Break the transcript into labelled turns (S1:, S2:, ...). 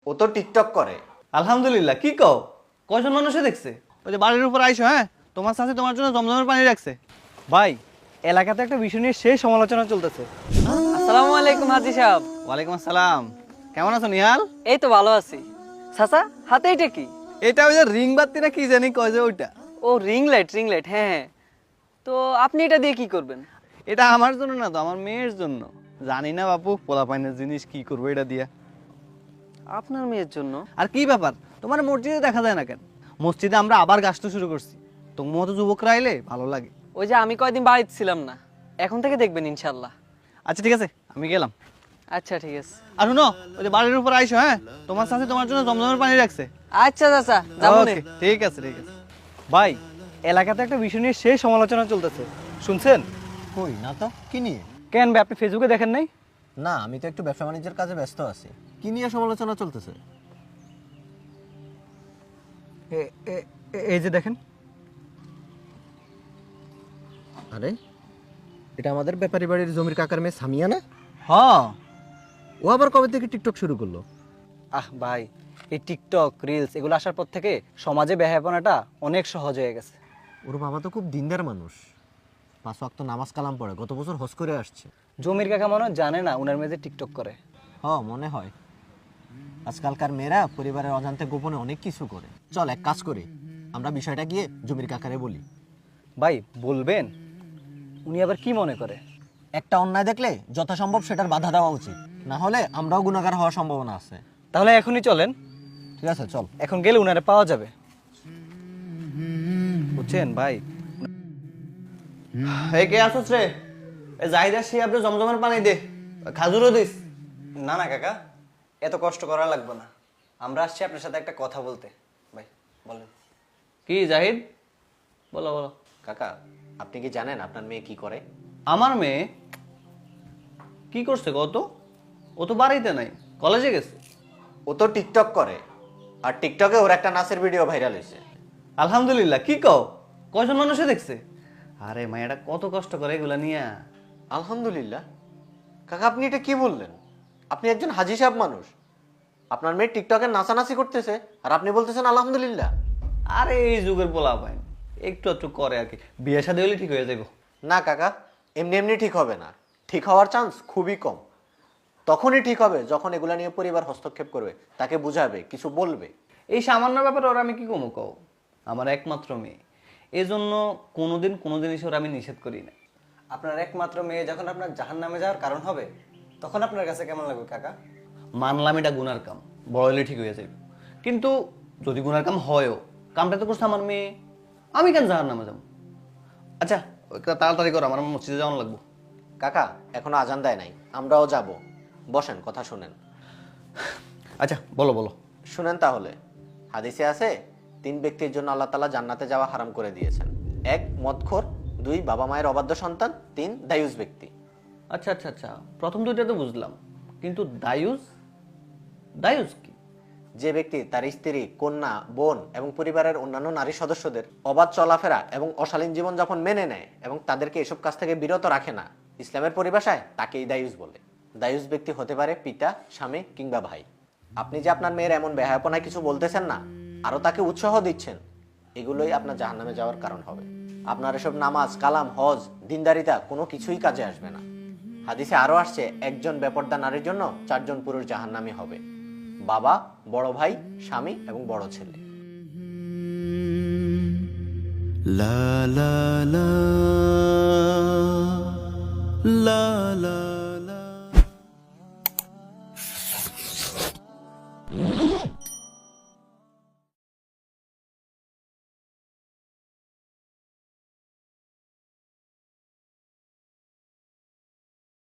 S1: ও তো টিকটক করে।
S2: আলহামদুলিল্লাহ। কি কও? কয়জন মানুষে দেখছে? ওই যে বাড়ির উপর আইসো, হ্যাঁ তোমার সাথে তোমার জন্য জমজমের পানি রাখছে। ভাই, এলাকাতে একটা বিষয় নিয়ে সেই সমালোচনা চলতেছে।
S3: আসসালামু আলাইকুম হাজি সাহেব।
S2: ওয়ালাইকুম আসসালাম। কেমন আছো নিহাল?
S3: এই তো ভালো আছি। চাচা, হাতে এটা কি?
S2: এটা ওই যে রিং বাত্তি না কি জানি কয় যে ওইটা।
S3: ও রিং লাইট, হ্যাঁ হ্যাঁ। তো আপনি এটা দিয়ে কি করবেন?
S2: এটা আমার জন্য না তো, আমার মেয়ের জন্য। জানি না বাপু, পোলাপাইনের জিনিস কি করবো এটা দিয়া।
S3: আপনার মেয়ের জন্য?
S2: আর কি ব্যাপার, তোমার মসজিদে দেখা যায় না কেন? মসজিদে আমরা আবার গাছটা শুরু করছি। তোমার মতো যুবকরা আইলে ভালো লাগে।
S3: ওই যে আমি কয়দিন বাড়িতে ছিলাম না, এখন থেকে দেখবেন ইনশাল্লাহ।
S2: আচ্ছা ঠিক আছে, আমি গেলাম।
S3: আচ্ছা ঠিক আছে।
S2: আর শুনো, ওই যে বাড়ির উপর আইসো, হ্যাঁ তোমার সাথে তোমার জন্য জমজমের পানি রাখছে।
S3: আচ্ছা চাচা, যাবো নে।
S2: ওকে, ঠিক আছে ঠিক আছে। ভাই, এলাকাতে একটা বিষয় নিয়ে সেই সমালোচনা চলতেছে, শুনছেন?
S1: কই না তো, কি নিয়ে?
S2: কেন ভাই, আপনি ফেসবুকে দেখেন নাই?
S1: না, আমি তো একটু ব্যবসা বাণিজ্যের কাজে ব্যস্ত আছি। কি নিয়ে সমালোচনা চলতেছে?
S2: এই যে দেখেন।
S1: আরে, এটা আমাদের ব্যাপারী বাড়ির জমির কাকার মেয়ে সামিয়া না?
S2: হ্যাঁ।
S1: ও আবার কবে থেকে টিকটক শুরু করলো?
S2: আহ ভাই, এই টিকটক রিলস এগুলো আসার পর থেকে সমাজে বেহায়াপনাটা অনেক সহজ হয়ে গেছে।
S1: ওর বাবা তো খুব দিনদার মানুষ, 5 ওয়াক্ত নামাজ কালাম পড়ে, গত বছর হজ করে আসছে।
S2: জমির কাকা মনে হয় জানে না উনার মেয়ে যে টিকটক করে।
S1: মনে হয়। আজকালকার মেয়েরা পরিবারের অজান্তে গোপনে অনেক কিছু করে। চল এক কাজ করি, আমরা বিষয়টা গিয়ে জমির কাকারে বলি।
S2: ভাই বলবেন? উনি আবার কি মনে করে?
S1: একটা অন্যায় দেখলে যথাসম্ভব সেটার বাধা দেওয়া উচিত, না হলে আমরাও গুনাহগার হওয়ার সম্ভাবনা আছে।
S2: তাহলে এখনই চলেন।
S1: ঠিক আছে, চল।
S2: এখন গেলে উনারে পাওয়া যাবে, বুঝছেন ভাই? এই কে আসছ রে? এ জাহিদ আসি, আপনি জমজমের পানি দে, খাজুরও দিস। না না কাকা, এত কষ্ট করা লাগবে না, আমরা আসছি আপনার সাথে একটা কথা বলতে। ভাই বলেন। কি জাহিদ, বলো বলো।
S1: কাকা, আপনি কি জানেন আপনার মেয়ে কি করে?
S2: আমার মেয়ে কি করছে কত? ও তো বাড়িতে নাই, কলেজে গেছে।
S1: ও তো টিকটক করে, আর টিকটকে ওর একটা নাচের ভিডিও ভাইরাল হয়েছে।
S2: আলহামদুলিল্লাহ। কি কও? কয়জন মানুষে দেখছে? আরে মায়েরা কত কষ্ট করে এগুলা নিয়া।
S1: আলহামদুলিল্লাহ? কাকা, আপনি এটা কি বললেন? আপনি একজন হাজি সাহেব মানুষ, আপনার মেয়ে টিকটকে নাচানাচি করতেছে আর আপনি বলতেছেন আলহামদুলিল্লাহ?
S2: আরে এই যুগের পোলা পাই একটু একটু করে আর কি, বিয়ে শাদী হলে ঠিক হয়ে যাবো।
S1: না কাকা, এমনি এমনি ঠিক হবে না। ঠিক হওয়ার চান্স খুবই কম। তখনই ঠিক হবে যখন এগুলা নিয়ে পরিবার হস্তক্ষেপ করবে, তাকে বুঝাবে, কিছু বলবে।
S2: এই সামান্য ব্যাপারে ওরা আমি কি কমো কও? আমার একমাত্র মেয়ে, এই জন্য কোনোদিন কোনো জিনিস ওরা আমি নিষেধ করি না। আপনার একমাত্র মেয়ে যখন আপনার জাহান্নামে যাওয়ার কারণ হবে, তখন আপনার কাছে কেমন লাগবে কাকা? মানলাম এটা গুনার কাম, বড় হলে ঠিক হয়ে যাবে। কিন্তু যদি গুনার কাম হয়ও, কামটা তো করছে আমার মেয়ে, আমি কেন জাহান্নামে যাবো? আচ্ছা তাড়াতাড়ি করো, আমার মসজিদে যাওয়ানো লাগবো।
S1: কাকা, এখনো আজান দেয় নাই, আমরাও যাব। বসেন, কথা শুনেন।
S2: আচ্ছা বলো বলো।
S1: শুনেন তাহলে। হাদিসে আছে, 3 ব্যক্তির জন্য আল্লাহ তাআলা জান্নাতে যাওয়া হারাম করে দিয়েছেন। 1 মদখোর, 2 বাবা মায়ের অবাধ্য সন্তান, 3 দায়ুস ব্যক্তি।
S2: আচ্ছা আচ্ছা আচ্ছা, প্রথম দুইটা তো বুঝলাম, কিন্তু দায়ুস, দায়ুস কি?
S1: যে ব্যক্তি তার স্ত্রী, কন্যা, বোন এবং পরিবারের অন্যান্য নারী সদস্যদের অবাধ চলাফেরা এবং অশালীন জীবনযাপন মেনে নেয় এবং তাদেরকে এসব কাজ থেকে বিরত রাখে না, ইসলামের পরিভাষায় তাকেই দায়ুস বলে। দায়ুস ব্যক্তি হতে পারে পিতা, স্বামী কিংবা ভাই। আপনি যে আপনার মেয়ের এমন বেহায়াপনায় কিছু বলতেছেন না, আরো তাকে উৎসাহ দিচ্ছেন, এগুলোই আপনার জাহান্নামে যাওয়ার কারণ হবে। আপনার এসব নামাজ, কালাম, হজ, দিনদারিতা কোনো কিছুই কাজে আসবে না। হাদিসে আরো আসছে, একজন বেপরদা নারীর জন্য 4 জন পুরুষ জাহান্নামী হবে: বাবা, বড় ভাই, স্বামী এবং বড় ছেলে।
S4: লা লা লা লা লা লা